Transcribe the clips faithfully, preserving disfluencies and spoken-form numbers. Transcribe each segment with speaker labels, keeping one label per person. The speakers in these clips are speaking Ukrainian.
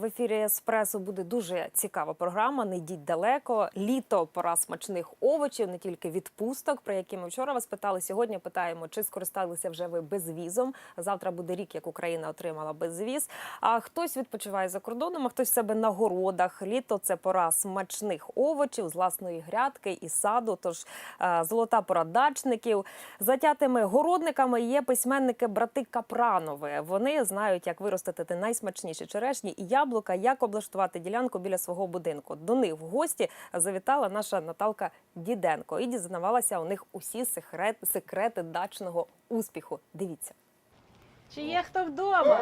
Speaker 1: В ефірі «Еспресо» буде дуже цікава програма «Не йдіть далеко». Літо – пора смачних овочів, не тільки відпусток, про які ми вчора вас питали. Сьогодні питаємо, чи скористалися вже ви безвізом. Завтра буде рік, як Україна отримала безвіз. А хтось відпочиває за кордоном, а хтось в себе на городах. Літо – це пора смачних овочів з власної грядки і саду. Тож золота пора дачників. Затятими городниками є письменники-брати Капранови. Вони знають, як виростити найсмачніші черешні і яблука, як облаштувати ділянку біля свого будинку. До них в гості завітала наша Наталка Діденко і дізнавалася у них усі секрети, секрети дачного успіху. Дивіться.
Speaker 2: Чи є хто вдома?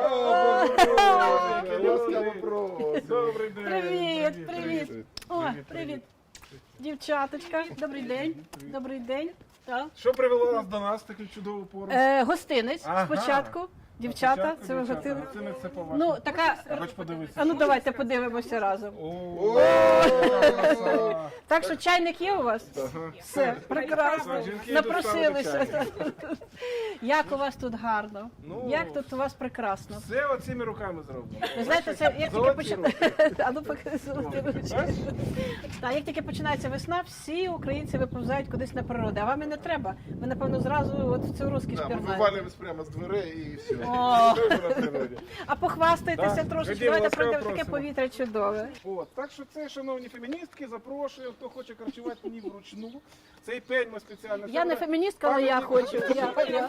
Speaker 3: Добрий день.
Speaker 2: Привіт, привіт. О, привіт. Дівчаточка, добрий день. Добрий день. Так.
Speaker 3: Що привело вас до нас в таку чудову пору?
Speaker 2: Е, гостинець
Speaker 3: Ага.
Speaker 2: спочатку. Дівчата,
Speaker 3: Спочатку
Speaker 2: це ви
Speaker 3: дівчата.
Speaker 2: готили?
Speaker 3: Гостинець це по-вашому.
Speaker 2: Ну, така...
Speaker 3: Хоч подивитися.
Speaker 2: А ну давайте подивимося разом.
Speaker 3: О,
Speaker 2: Так що чайник є у вас?
Speaker 3: ага.
Speaker 2: Все, прекрасно.
Speaker 3: Так, жінки
Speaker 2: Напросилися.
Speaker 3: доставили
Speaker 2: Як у вас тут гарно.
Speaker 3: Ну,
Speaker 2: Як тут у вас прекрасно.
Speaker 3: Все оціми руками зроблено.
Speaker 2: Ви знаєте, це як тільки
Speaker 3: Золоті
Speaker 2: починається. А ну поки золоті ручки. Так, як тільки починається весна, всі українці виповзають кудись на природу. А вам і не треба. Ви, напевно, зразу от в цю розкіш
Speaker 4: Да, ми
Speaker 2: пірнаєте.
Speaker 4: вивалюємось прямо з дверей і все.
Speaker 2: О.
Speaker 4: Ми на природі.
Speaker 2: А похвастайтеся
Speaker 3: Так,
Speaker 2: трошечки.
Speaker 3: ходімо,
Speaker 2: Давайте
Speaker 3: ласкаво
Speaker 2: пройдемо таке
Speaker 3: просимо.
Speaker 2: повітря чудове.
Speaker 3: От, так що це, шановні феміністки, запрошую, хто хоче харчувати ні вручну. Цей пень ми спеціально...
Speaker 2: Я не феміністка, але я хочу. Я, я.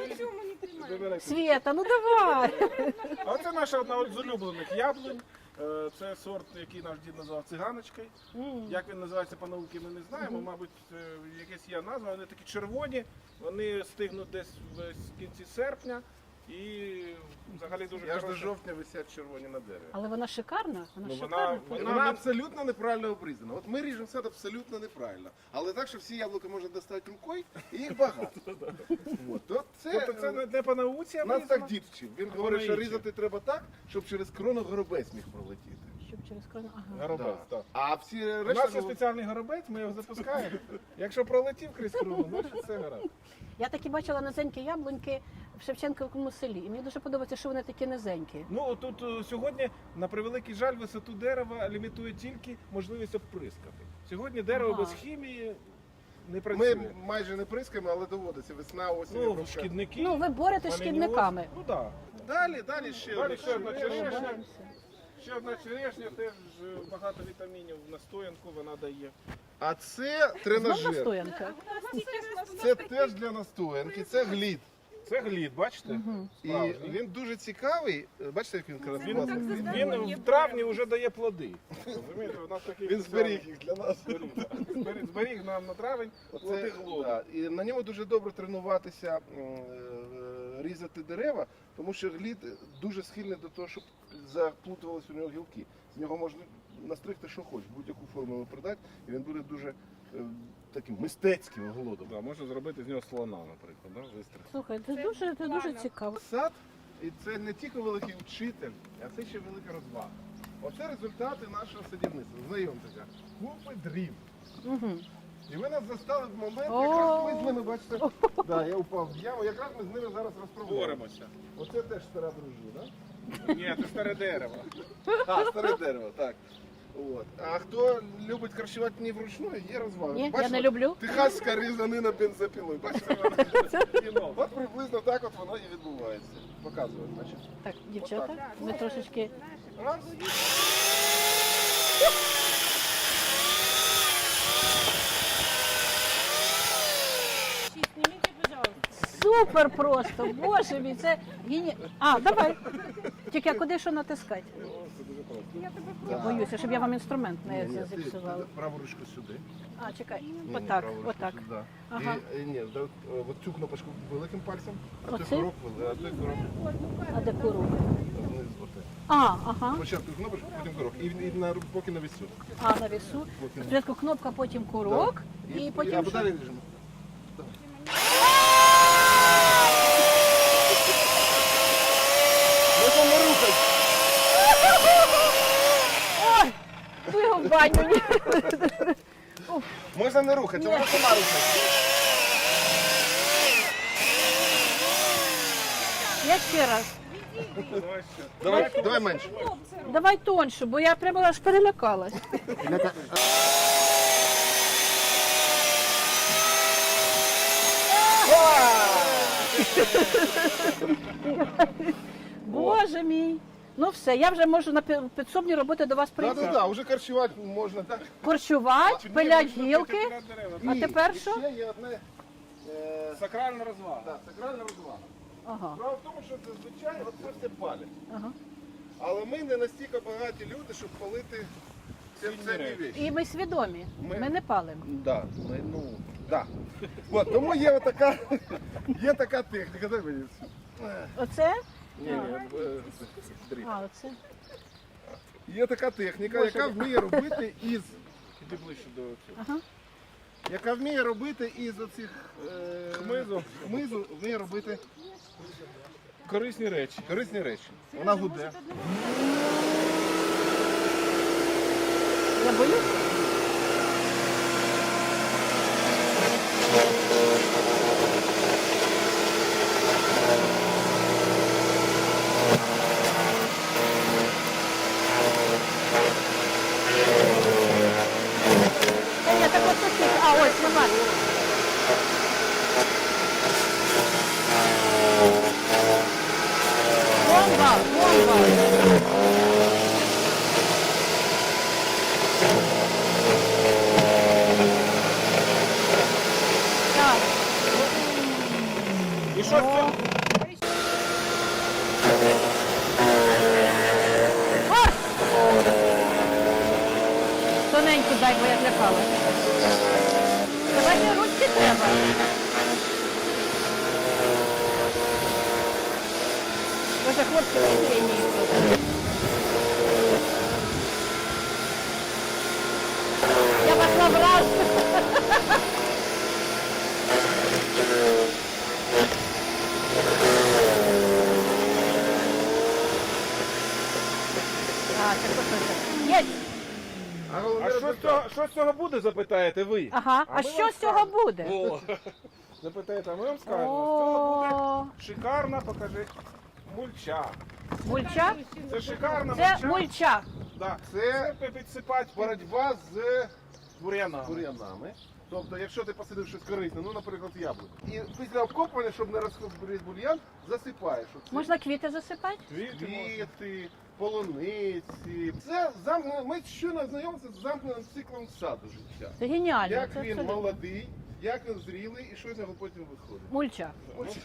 Speaker 2: Свєта, ну давай.
Speaker 3: А це наша одна з улюблених яблунь. Е, Це сорт, який наш дід назвав циганочкою. Як він називається по науці, ми не знаємо. Мабуть, е, якась є назва. Вони такі червоні, вони стигнуть десь в кінці серпня. І взагалі дуже
Speaker 4: Я ж до
Speaker 3: хороша.
Speaker 4: жовтня висять червоні на дереві.
Speaker 2: Але вона шикарна. Вона
Speaker 3: Ну,
Speaker 2: шикарна.
Speaker 3: вона,
Speaker 4: Вона,
Speaker 3: вона,
Speaker 4: абсолютно неправильно обрізана. От ми ріжемо сад абсолютно неправильно. Але так, що всі яблука можна достати рукою, і їх багато. От, то це,
Speaker 3: тобто це не, не по науці, а
Speaker 4: нас
Speaker 3: вирізано.
Speaker 4: так дід вчив. Він
Speaker 3: А
Speaker 4: говорить,
Speaker 3: воно
Speaker 4: що
Speaker 3: інше.
Speaker 4: різати треба так, щоб через крону горобець міг пролетіти.
Speaker 2: Щоб через крону. Ага.
Speaker 3: Горобець,
Speaker 4: Да.
Speaker 3: так.
Speaker 4: А всі
Speaker 3: У
Speaker 4: решта...
Speaker 3: нас є спеціальний горобець, ми його запускаємо. Якщо пролетів крізь кругу, значить все гаразд.
Speaker 2: Я такі бачила низенькі яблуньки в Шевченківському селі. І мені дуже подобається, що вони такі низенькі.
Speaker 3: Ну тут е, сьогодні, на превеликий жаль, висоту дерева лімітує тільки можливість обприскати. Сьогодні дерево
Speaker 2: Ага.
Speaker 3: без хімії не працює.
Speaker 4: Ми майже не прискаємо, але доводиться. Весна, осінь,
Speaker 3: Ну,
Speaker 4: обробка.
Speaker 3: шкідники.
Speaker 2: Ну, ви боретесь з
Speaker 3: валяні
Speaker 2: шкідниками.
Speaker 3: ось. Ну так.
Speaker 4: Далі, далі ще.
Speaker 3: Далі
Speaker 4: одне.
Speaker 3: ще одна черешня.
Speaker 2: Боремося.
Speaker 3: Ще одна черешня, теж е, багато вітамінів в настоянку вона дає.
Speaker 4: А це
Speaker 2: Знов
Speaker 4: тренажер.
Speaker 2: настоянка.
Speaker 4: Це теж для настоянки, це глід.
Speaker 3: Це глід, бачите?
Speaker 4: І
Speaker 3: Справжній.
Speaker 4: він дуже цікавий. Бачите, як він красивий?
Speaker 3: Він в травні вже дає плоди. Розумієте, у нас такий
Speaker 4: Він зберіг їх для нас.
Speaker 3: зберіг, зберіг, зберіг нам на травень плоди
Speaker 4: Оце,
Speaker 3: глоду.
Speaker 4: да, і на ньому дуже добре тренуватися, м, е, різати дерева, тому що глід дуже схильний до того, щоб заплутувалися у нього гілки. З нього можна настригти, що хочеш, будь-яку форму його придати, і він буде дуже е, таким мистецьким голодом.
Speaker 3: Да, можна зробити з нього слона, наприклад, да? вистриг.
Speaker 2: Слухай, це дуже, це дуже цікаво.
Speaker 4: Сад, і це не тільки великий вчитель, а це ще велика розвага. Оце результати нашого садівництва. Знайомтеся, купи дрів.
Speaker 2: Угу.
Speaker 4: І ви нас застали в момент,
Speaker 2: О!
Speaker 4: якраз ми з ними, бачите, да, я упав в яму, якраз ми з ними зараз розправляємо.
Speaker 3: Боремося.
Speaker 4: Оце теж стара дружина.
Speaker 3: Ні, це старе дерево.
Speaker 4: А, старе дерево, так. От. А хто любить харчувати не вручну, є розвага.
Speaker 2: Ні, я
Speaker 4: Бачите,
Speaker 2: не люблю.
Speaker 4: Техаська різанина бензопілою. Бачите,
Speaker 3: Кіно.
Speaker 4: от приблизно так от воно і відбувається. Показую, значить.
Speaker 2: Так, дівчата, ми трошечки.
Speaker 4: Раз.
Speaker 2: Супер просто! Боже мій, це гені... А, давай. Тільки а куди що натискати? Я боюся, щоб я вам інструмент не
Speaker 4: Ні, ні, ти
Speaker 2: зіпсувала.
Speaker 4: праву ручку сюди.
Speaker 2: А, чекай,
Speaker 4: Ні, ні,
Speaker 2: отак,
Speaker 4: праву ручку
Speaker 2: отак.
Speaker 4: сюди.
Speaker 2: Ага.
Speaker 4: І, і, ні, да, от, е, от цю кнопочку великим пальцем, а той
Speaker 2: Оцей?
Speaker 4: курок, вели- а той курок
Speaker 2: А де куру?
Speaker 4: вниз. оте.
Speaker 2: А, ага.
Speaker 4: Спочатку кнопочку, потім курок. І, і на, поки на вісю.
Speaker 2: А, на вісу. Спочатку кнопка, потім курок. І потім
Speaker 4: або
Speaker 2: що?
Speaker 4: далі ріжемо. Можна не рухати.
Speaker 2: Ой, ну його в баню. Ні.
Speaker 4: Можна не рухати, можна сама рухати.
Speaker 2: Я ще раз.
Speaker 3: Давай ще.
Speaker 4: Давай, давай менше.
Speaker 2: Давай тоньше, бо я прямо аж перелякалась. Боже мій. Ну все, я вже можу на пі- підсобні роботи до вас
Speaker 4: Так,
Speaker 2: прийти.
Speaker 4: так, так, вже корчувати можна, так?
Speaker 2: Корчувати, пилять гілки. А
Speaker 4: Ні,
Speaker 2: тепер що?
Speaker 4: Ще є одне е,
Speaker 3: Сакральна розвага.
Speaker 4: да, сакральна розвага.
Speaker 2: Ага,
Speaker 4: Справа в тому, що зазвичай от це все палять.
Speaker 2: ага.
Speaker 4: Але ми не настільки багаті люди, щоб палити ці цінні речі.
Speaker 2: І ми свідомі.
Speaker 4: Ми-
Speaker 2: Ми не палимо.
Speaker 4: Да, ми, ну, да. От, тому є така, є така техніка. Дай мені цю.
Speaker 2: Оце?
Speaker 4: Ні, ні, е, дріб.
Speaker 2: А, оце.
Speaker 4: Є така техніка, яка вміє робити із,
Speaker 3: Іди ближче до цього.
Speaker 2: Ага.
Speaker 4: яка вміє робити із оцих е,
Speaker 3: Хмизу.
Speaker 4: хмизу, вміє робити
Speaker 3: Корисні речі.
Speaker 4: корисні речі. Вона гуде.
Speaker 2: Я боюсь. Та я так от тут. А, ось, нема. Бомба, бомба. Так.
Speaker 3: І що з цього?
Speaker 2: А! Тоненьку дай, бо я злякала. Давай мені ручки треба. Боже, хлопці, ви генії. Я вас набрав. А, це просто. Є.
Speaker 4: А головне
Speaker 3: А що з
Speaker 4: результат.
Speaker 3: цього, що з цього буде, запитаєте ви?
Speaker 2: Ага, а
Speaker 3: ми
Speaker 2: що
Speaker 3: вам
Speaker 2: з цього
Speaker 3: скажемо.
Speaker 2: буде?
Speaker 3: О, запитаєте, а ми вам скажемо. З цього буде
Speaker 2: О,
Speaker 3: шикарна, покажи, мульча.
Speaker 2: мульча?
Speaker 3: Це шикарна
Speaker 2: Це
Speaker 3: мульча.
Speaker 2: мульча.
Speaker 3: Да.
Speaker 4: Це
Speaker 3: Це підсипати
Speaker 4: боротьба з
Speaker 3: бур'янами.
Speaker 4: бур'янами. Тобто, якщо ти посадив щось корисне, ну, наприклад, яблуко, і після обкопування, щоб не розкопувати бур'ян, засипаєш. Оце.
Speaker 2: Можна квіти засипати?
Speaker 3: Квіти можна.
Speaker 4: Квіти, полуниці. Це замкнено. Ми щойно знайомимося з замкненим циклом саду життя.
Speaker 2: Це геніально.
Speaker 4: Як
Speaker 2: Це
Speaker 4: він
Speaker 2: абсолютно.
Speaker 4: молодий, як він зрілий і що з нього потім виходить.
Speaker 2: Мульча.
Speaker 4: Ось.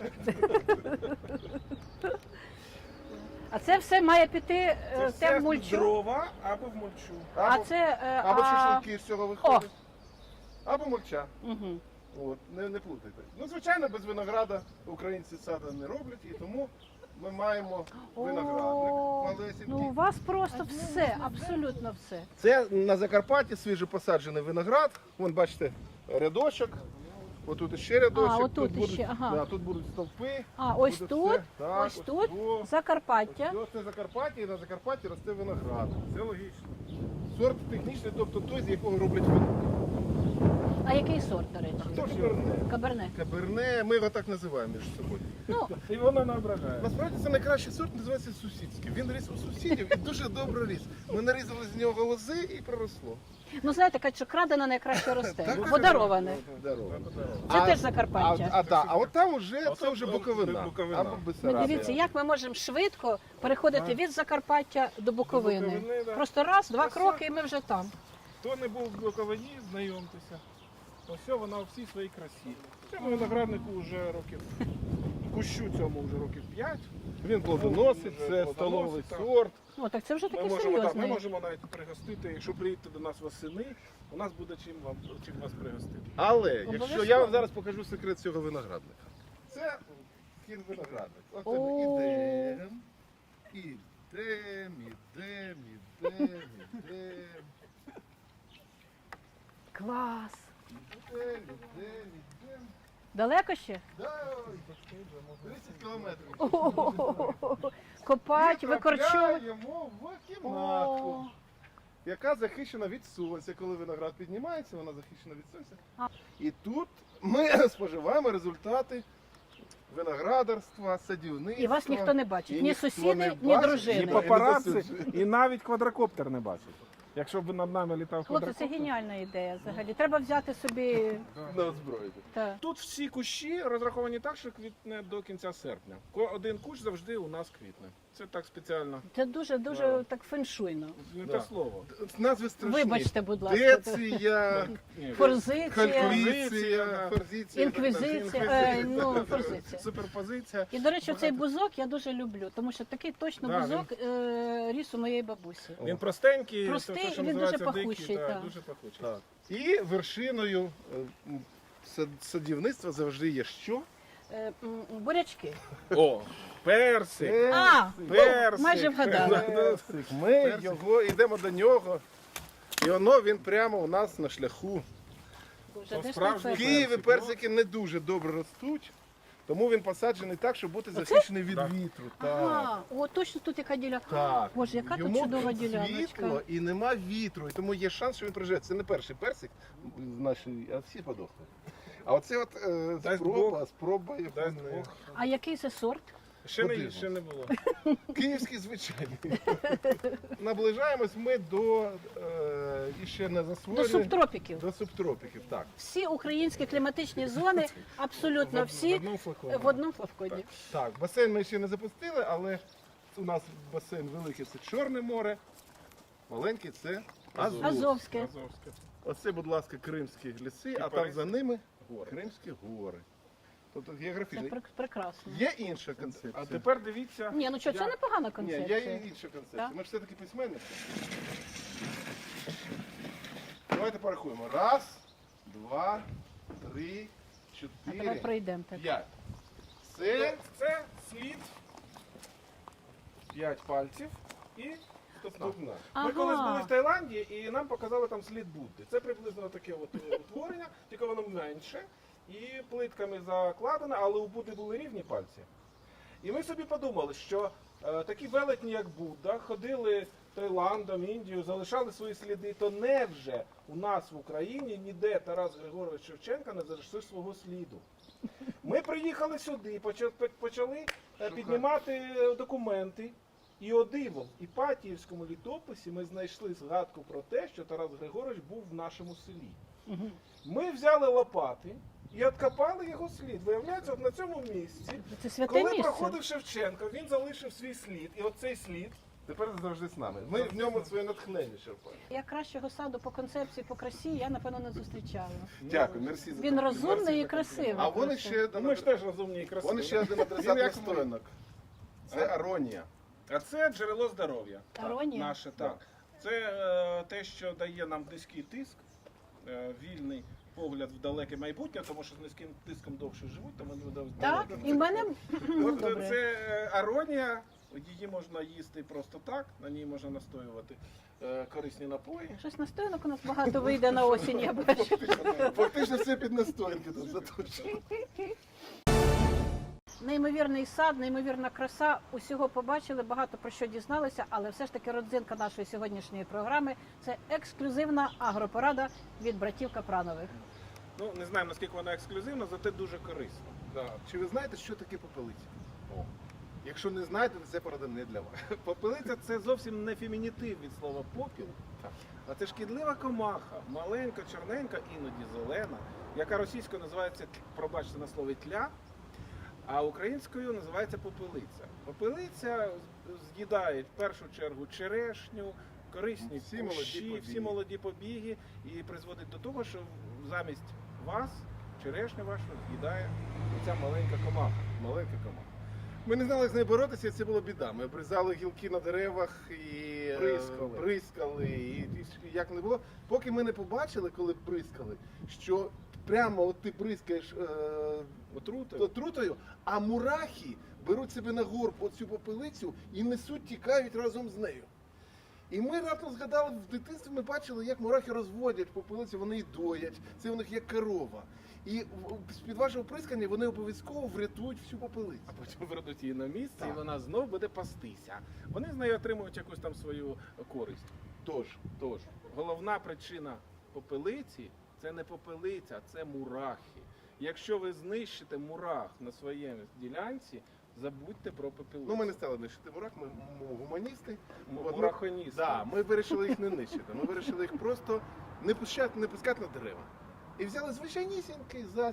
Speaker 2: А це все має піти
Speaker 3: Це
Speaker 2: е, в
Speaker 3: все
Speaker 2: те в
Speaker 3: в
Speaker 2: мульчу.
Speaker 3: дрова або в мульчу.
Speaker 2: А
Speaker 4: Або,
Speaker 2: це. е,
Speaker 4: або
Speaker 2: а...
Speaker 4: шашлики з цього виходять. Або мульча.
Speaker 2: Угу.
Speaker 4: От, не, не плутайте. Ну, звичайно, без винограда українці саду не роблять, і тому ми маємо виноградник малесенький.
Speaker 2: Ну у вас просто все, абсолютно все.
Speaker 4: Це на Закарпатті свіжопосаджений виноград. Вон, бачите, рядочок. Отут ще рядочок.
Speaker 2: А, отут
Speaker 4: тут будуть,
Speaker 2: іще, ага.
Speaker 4: да, тут будуть стовпи.
Speaker 2: А ось
Speaker 4: Буде
Speaker 2: тут,
Speaker 4: все. Так,
Speaker 2: ось тут
Speaker 4: о.
Speaker 2: Закарпаття.
Speaker 4: Ось це Закарпаття, і на Закарпатті росте виноград.
Speaker 3: Це логічно.
Speaker 4: Сорт технічний, тобто той, з якого роблять вино.
Speaker 2: А який сорт, до речі?
Speaker 4: Це каберне.
Speaker 2: Каберне.
Speaker 4: Каберне, ми його так називаємо між собою.
Speaker 2: Ну,
Speaker 3: І воно не ображає.
Speaker 4: Насправді це найкращий сорт, називається сусідський. Він ріс у сусідів і дуже добре ріс. Ми нарізали з нього лози і проросло.
Speaker 2: ну знаєте, кажуть, що крадене найкраще росте.
Speaker 4: Так,
Speaker 2: Подароване.
Speaker 4: Здорово.
Speaker 2: Це теж
Speaker 4: А,
Speaker 2: Закарпаття.
Speaker 4: а, да, а от там вже
Speaker 3: А
Speaker 4: це
Speaker 3: це
Speaker 4: вже
Speaker 3: бу-
Speaker 4: Буковина.
Speaker 3: Буковина.
Speaker 4: Або
Speaker 2: Ну,
Speaker 4: Бессарабія.
Speaker 2: дивіться, як ми можемо швидко переходити від Закарпаття до Буковини.
Speaker 3: Буковини, да.
Speaker 2: Просто раз, два
Speaker 3: Ось
Speaker 2: кроки, і ми вже там.
Speaker 3: Хто не був в Буковині, знайомтеся. Ось вона у всій своїй красі. Цьому винограднику вже років, кущу цьому вже років п'ять.
Speaker 4: Він плодоносить,
Speaker 3: Вже
Speaker 4: це
Speaker 3: плодоносить,
Speaker 4: столовий
Speaker 3: так.
Speaker 4: сорт.
Speaker 2: О, так це вже
Speaker 3: Ми
Speaker 2: таке
Speaker 3: можемо, так, ми
Speaker 2: серйозне.
Speaker 3: можемо навіть пригостити, якщо приїдете до нас восени, у нас буде чим вам чим вас пригостити.
Speaker 4: Але якщо
Speaker 2: Обов'язково.
Speaker 4: я вам зараз покажу секрет цього виноградника. Це кін виноградник. От ми
Speaker 2: О.
Speaker 4: ідемо, ідемо, ідемо, ідемо, ідемо.
Speaker 2: Клас.
Speaker 4: Ідемо, ідемо, ідемо.
Speaker 2: Далеко ще?
Speaker 4: Да, тридцять кілометрів.
Speaker 2: О-о-о-о. Копать,
Speaker 4: І
Speaker 2: викорчовувати.
Speaker 4: трапляємо в
Speaker 2: О.
Speaker 4: кімнатку, яка захищена від сонця. Коли виноград піднімається, вона захищена від сонця.
Speaker 2: А.
Speaker 4: І тут ми споживаємо результати виноградарства, садівництва.
Speaker 2: І вас ніхто не бачить,
Speaker 4: І
Speaker 2: ні
Speaker 4: ніхто
Speaker 2: сусіди,
Speaker 4: не
Speaker 2: ні
Speaker 4: бачить,
Speaker 2: дружини.
Speaker 3: І
Speaker 2: Не
Speaker 3: папараці, і навіть квадрокоптер не бачить. Якщо б над нами літав
Speaker 2: Хлопці, це
Speaker 3: квадрокоптер.
Speaker 2: геніальна ідея взагалі. Треба взяти собі.
Speaker 4: на озброєння.
Speaker 2: Та.
Speaker 3: Тут всі кущі розраховані так, що квітне до кінця серпня. Ко- Один кущ завжди у нас квітне. Це так спеціально.
Speaker 2: Це дуже дуже
Speaker 3: Да.
Speaker 2: так феншуйно.
Speaker 3: Не
Speaker 4: Да.
Speaker 3: те слово.
Speaker 4: Назви страшні.
Speaker 2: Вибачте, будь ласка.
Speaker 4: Деція,
Speaker 3: Ні,
Speaker 2: Форзиція,
Speaker 3: Форзиція,
Speaker 4: кальвіція, форзиція.
Speaker 2: інквізиція, е, ну, форзиція.
Speaker 3: Суперпозиція.
Speaker 2: І, до речі,
Speaker 3: Багато.
Speaker 2: цей бузок я дуже люблю, тому що такий точно
Speaker 3: Да,
Speaker 2: бузок е, ріс у моєї бабусі.
Speaker 3: Він простенький,
Speaker 2: Простий,
Speaker 3: то, що
Speaker 2: він дуже
Speaker 3: називається
Speaker 2: пахучий,
Speaker 3: дикий,
Speaker 2: так.
Speaker 3: дуже пахучий.
Speaker 4: Так. І вершиною е, м, сад- садівництва завжди є що?
Speaker 2: Е, м, бурячки.
Speaker 3: О, персик.
Speaker 2: А,
Speaker 3: Персик.
Speaker 2: майже вгадала.
Speaker 4: Персик. Ми його йдемо до нього. І воно він прямо у нас на шляху.
Speaker 2: Боже,
Speaker 3: То
Speaker 2: де ж
Speaker 3: справжній
Speaker 2: той
Speaker 4: В
Speaker 2: персик?
Speaker 4: Києві
Speaker 3: персик,
Speaker 4: персики не дуже добре ростуть, тому він посаджений так, щоб бути захищений від
Speaker 3: Так.
Speaker 4: вітру. Так.
Speaker 2: Ага, о, точно тут яка ділянка.
Speaker 4: Так.
Speaker 2: Боже, яка тут
Speaker 4: Йому
Speaker 2: чудова
Speaker 4: світло
Speaker 2: діляночка.
Speaker 4: і нема вітру, і тому є шанс, що він приживе. Це не перший персик в нашій, а всі подохли. А оце от е,
Speaker 3: Дасть
Speaker 4: спроба,
Speaker 3: Бог.
Speaker 4: спроба
Speaker 3: Дасть
Speaker 4: яку не-
Speaker 3: Бог.
Speaker 2: А який це сорт?
Speaker 3: Ще не,
Speaker 4: Подивимо.
Speaker 3: ще не було.
Speaker 4: Київський звичайний. Наближаємось ми до е, іще не
Speaker 2: До
Speaker 4: засвоєних.
Speaker 2: субтропіків.
Speaker 4: До субтропіків, так.
Speaker 2: Всі українські кліматичні зони, абсолютно
Speaker 3: В
Speaker 2: всі
Speaker 3: одному флаконі.
Speaker 2: в одному флаконі.
Speaker 4: Так, басейн ми ще не запустили, але у нас басейн великий це Чорне море, маленький це Азов.
Speaker 2: Азовське.
Speaker 3: Азовське.
Speaker 4: Оце, будь ласка, Кримські ліси, а там
Speaker 3: Паризькі
Speaker 4: за ними
Speaker 3: гори.
Speaker 4: Кримські гори. Тобто
Speaker 2: Це
Speaker 4: географічно.
Speaker 2: прек- прекрасно.
Speaker 4: Є інша концепція.
Speaker 3: А тепер дивіться.
Speaker 2: Ні, ну що, це
Speaker 3: Я-
Speaker 2: непогана
Speaker 4: Ні,
Speaker 2: концепція.
Speaker 4: є і інша концепція.
Speaker 2: Так?
Speaker 4: Ми ж все-таки письменники. Давайте порахуємо. Раз, два, три,
Speaker 2: А давай
Speaker 4: чотири,
Speaker 2: пройдемо так.
Speaker 4: п'ять.
Speaker 3: Це,
Speaker 4: Це
Speaker 3: це слід п'ять пальців і стопна.
Speaker 4: ступна.
Speaker 3: Ми колись були
Speaker 2: Ага.
Speaker 3: в Таїланді і нам показали там слід Будди. Це приблизно таке от е, утворення, тільки воно менше і плитками закладено, але у Будди були рівні пальці. І ми собі подумали, що е, такі велетні, як Будда, ходили Таїландом, Індією, залишали свої сліди, то невже у нас в Україні ніде Тарас Григорович Шевченка не залишив свого сліду? Ми приїхали сюди, почали, почали е, піднімати е, документи. І о диво, в Іпатіївському літописі ми знайшли згадку про те, що Тарас Григорович був в нашому селі.
Speaker 2: Мгм.
Speaker 3: Ми взяли лопати і откопали його слід. Виявляється, от на цьому місці,
Speaker 2: Це святе
Speaker 3: коли
Speaker 2: місце.
Speaker 3: проходив Шевченко, він залишив свій слід. І оцей слід,
Speaker 4: Тепер завжди з нами. Ми в ньому своє натхнення черпаємо.
Speaker 2: Я кращого саду по концепції, по красі, я напевно не зустрічала.
Speaker 4: Дякую, мерсі за
Speaker 2: Він
Speaker 4: таку
Speaker 2: розумний і
Speaker 3: за
Speaker 2: красивий.
Speaker 4: А вони
Speaker 2: просто.
Speaker 4: ще
Speaker 3: ну, ми ж теж розумні і красиві.
Speaker 4: Вони ще один
Speaker 3: Він
Speaker 4: адресат
Speaker 3: як ми.
Speaker 4: настоянок. Це аронія.
Speaker 3: А це джерело здоров'я.
Speaker 2: Аронія?
Speaker 3: Наше, так. Це е, те, що дає нам низький тиск, е, вільний погляд в далеке майбутнє, тому що з низьким тиском довше живуть, тому вони видають
Speaker 2: Так, і в мене ну,
Speaker 3: От,
Speaker 2: добре.
Speaker 3: це е, аронія, її можна їсти просто так, на ній можна настоювати е, корисні напої.
Speaker 2: Щось настоянок у нас багато вийде на осінь, я бачу.
Speaker 4: Фактично все під настоянки тут заточено.
Speaker 2: Неймовірний сад, неймовірна краса. Усього побачили, багато про що дізналися, але все ж таки родзинка нашої сьогоднішньої програми – це ексклюзивна агропорада від братів Капранових.
Speaker 3: Ну, не знаємо, наскільки вона ексклюзивна, зате дуже корисна.
Speaker 4: Да. Чи ви знаєте, що таке попелиця? О. Якщо не знаєте, то це порада не для вас.
Speaker 3: Попелиця – це зовсім не фемінітив від слова попіл, а це шкідлива комаха, маленька, чорненька, іноді зелена, яка російською називається, пробачте на слові, тля, а українською називається попелиця. Попелиця з'їдає в першу чергу черешню, корисні
Speaker 4: Всі молоді
Speaker 3: кущі,
Speaker 4: побіги.
Speaker 3: всі молоді побіги і призводить до того, що замість вас черешню вашу з'їдає ця маленька комаха.
Speaker 4: Маленька команда. Ми не знали, як з нею боротися, і це була біда. Ми обрізали гілки на деревах і е,
Speaker 3: Бризкали.
Speaker 4: бризкали, і, і як не було. Поки ми не побачили, коли бризкали, що прямо от ти бризкаєш е,
Speaker 3: Отрути.
Speaker 4: отрутою, а мурахи беруть себе на горб оцю попелицю і несуть, тікають разом з нею. І ми раптом згадали, в дитинстві ми бачили, як мурахи розводять попелицю, вони її доять, це у них як корова. І в- з-під вашого прискання вони обов'язково врятують всю попелицю.
Speaker 3: А потім вернуть її на місце,
Speaker 4: Так.
Speaker 3: і вона знов буде пастися. Вони з нею отримують якусь там свою користь.
Speaker 4: Тож,
Speaker 3: Тож, головна причина попелиці це не попелиця, це мурахи. Якщо ви знищите мурах на своєму ділянці, забудьте про папілиць.
Speaker 4: Ну, ми не стали нищити мурах, ми м- гуманісти.
Speaker 3: М-
Speaker 4: От ми-
Speaker 3: мурахоністи.
Speaker 4: Да, ми вирішили їх не нищити. Ми вирішили їх просто не пускати, не пускати на дерева. І взяли звичайнісінький засіб.